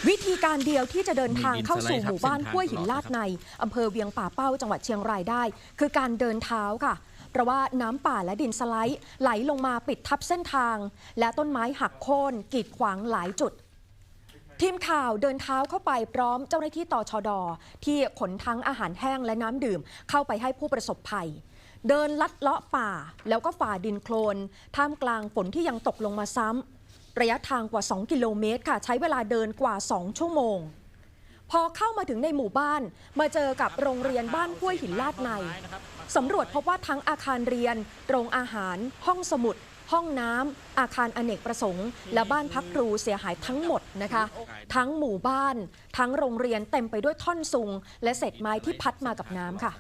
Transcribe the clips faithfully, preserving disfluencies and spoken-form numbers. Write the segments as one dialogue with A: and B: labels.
A: วิธีการเดียวที่จะเดินทางเข้าสู่หมู่บ้านห้วยหินลาดในอำเภอเวียงป่าเป้าจังหวัดเชียงรายได้คือการเดินเท้าค่ะเพราะว่าน้ำป่าและดินสไลด์ไหลลงมาปิดทับเส้นทางและต้นไม้หักโค่นกีดขวางหลายจุดทีมข่าวเดินเท้าเข้าไปพร้อมเจ้าหน้าที่ตชด.ที่ขนทั้งอาหารแห้งและน้ำดื่มเข้าไปให้ผู้ประสบภัยเดินลัดเลาะป่าแล้วก็ฝ่าดินโคลนท่ามกลางฝนที่ยังตกลงมาซ้ำระยะทางกว่าสองกิโลเมตรค่ะใช้เวลาเดินกว่าสองชั่วโมงพอเข้ามาถึงในหมู่บ้านมาเจอกับโรงเรียนบ้านห้วยหินลาดในสำรวจพบว่าทั้งอาคารเรียนโรงอาหารห้องสมุดห้องน้ำอาคารอเนกประสงค์และบ้านพักครูเสียหายทั้งหมดนะคะทั้งหมู่บ้านทั้งโรงเรียนเต็มไปด้วยท่อนซุงและเศษไม้ที่พัดมากับน้ำค่ะ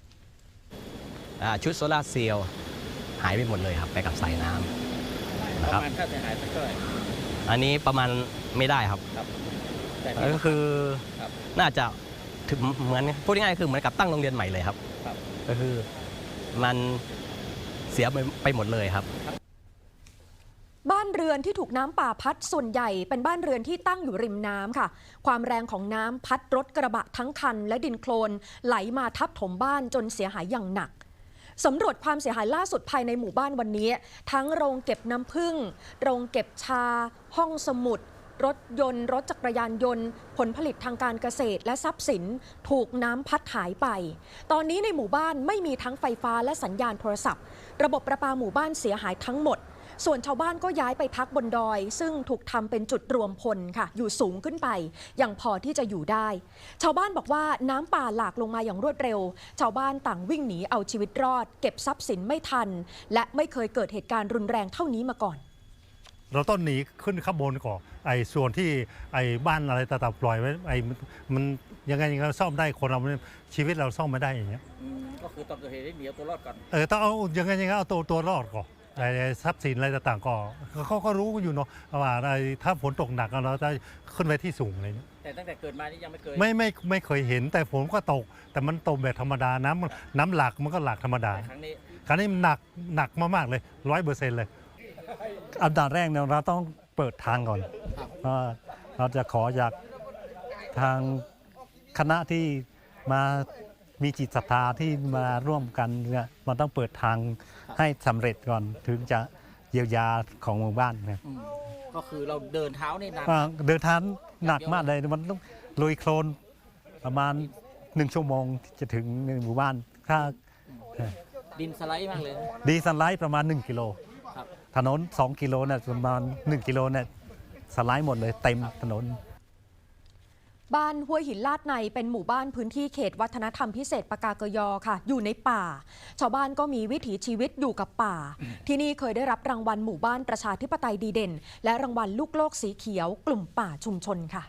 B: ชุดโซลาร์เซลล์หายไปหมดเลยครับไปกับสายน้ำนะครับประมาณค่าเสียหายเท่าไหร่อันนี้ประมาณไม่ได้ครับก็คือน่าจะถึงเหมือนพูดง่ายๆคือเหมือนกับตั้งโรงเรียนใหม่เลยครับก็คือมันเสียไปหมดเลยครับ
A: บ้านเรือนที่ถูกน้ำป่าพัดส่วนใหญ่เป็นบ้านเรือนที่ตั้งอยู่ริมน้ำค่ะความแรงของน้ำพัดรถกระบะทั้งคันและดินโคลนไหลมาทับถมบ้านจนเสียหายอย่างหนักสำรวจความเสียหายล่าสุดภายในหมู่บ้านวันนี้ทั้งโรงเก็บน้ำผึ้งโรงเก็บชาห้องสมุดรถยนต์รถจักรยานยนต์ผลผลิตทางการเกษตรและทรัพย์สินถูกน้ำพัดหายไปตอนนี้ในหมู่บ้านไม่มีทั้งไฟฟ้าและสัญญาณโทรศัพท์ระบบประปาหมู่บ้านเสียหายทั้งหมดส่วนชาวบ้านก็ย้ายไปพักบนดอยซึ่งถูกทำเป็นจุดรวมพลค่ะอยู่สูงขึ้นไปอย่างพอที่จะอยู่ได้ชาวบ้านบอกว่าน้ำป่าหลากลงมาอย่างรวดเร็วชาวบ้านต่างวิ่งหนีเอาชีวิตรอดเก็บทรัพย์สินไม่ทันและไม่เคยเกิดเหตุการณ์รุนแรงเท่านี้มาก่อน
C: เราต้องหนีขึ้นข้างบนก่อนไอ้ส่วนที่ไอ้บ้านอะไรต่างๆปล่อยไว้ไอ้มันยังไงยังไงซ่อมได้คนเราชีวิตเราซ่อมไม่ได้อย่างเงี้ย
D: ก็คือตอนเกิดเหตุได้หนีเอาตัวรอดก่อน
C: เออต้องเอายังไงยังไงเอาตัวตัวรอดก่อนไอ้ทรัพย์สินอะไรต่างๆก็เขาก็รู้อยู่เนาะว่าถ้าฝนตกหนักเราจะขึ้นไปที่สูงอะไรเงี้ย
D: แต่ตั้งแต่เกิดมานี่ยังไม่เคย
C: ไม่ไม่ไม่เคยเห็นแต่ฝนก็ตกแต่มันตกแบบธรรมดาน้ำน้ำหลักมันก็หลักธรรมดา
D: ครั้งนี้
C: ครั้งนี้มันหนักหนักมากๆเลยร้อยเปอร์เซ็นต์เลยอันดับแรกเนี่ยเราต้องเปิดทางก่อนเราจะขอจากทางคณะที่มามีจิตศรัทธาที่มาร่วมกันเนี่ยมันต้องเปิดทางให้สำเร็จก่อนถึงจะเยียวยาของหมู่บ้านเนี่ย
D: ก็คือเราเดินเท้านี่หนัก
C: เดินเท้าหนักมากเลยมันต้องลุยโคลนประมาณหนึ่งชั่วโมงจะถึงในหมู่บ้านถ้า
D: ดินสไลด์มากเลย
C: ดินสไลด์ประมาณหนึ่งกิโลถนนสองกิโลเนี่ยประมาณหนึ่งกิโลเนี่ยสไลด์หมดเลยเต็มถนน
A: บ้านห้วยหินลาดในเป็นหมู่บ้านพื้นที่เขตวัฒนธรรมพิเศษปากากยอค่ะอยู่ในป่าชาวบ้านก็มีวิถีชีวิตอยู่กับป่าที่นี่เคยได้รับรางวัลหมู่บ้านประชาธิปไตยดีเด่นและรางวัลลูกโลกสีเขียวกลุ่มป่าชุมชนค่ะ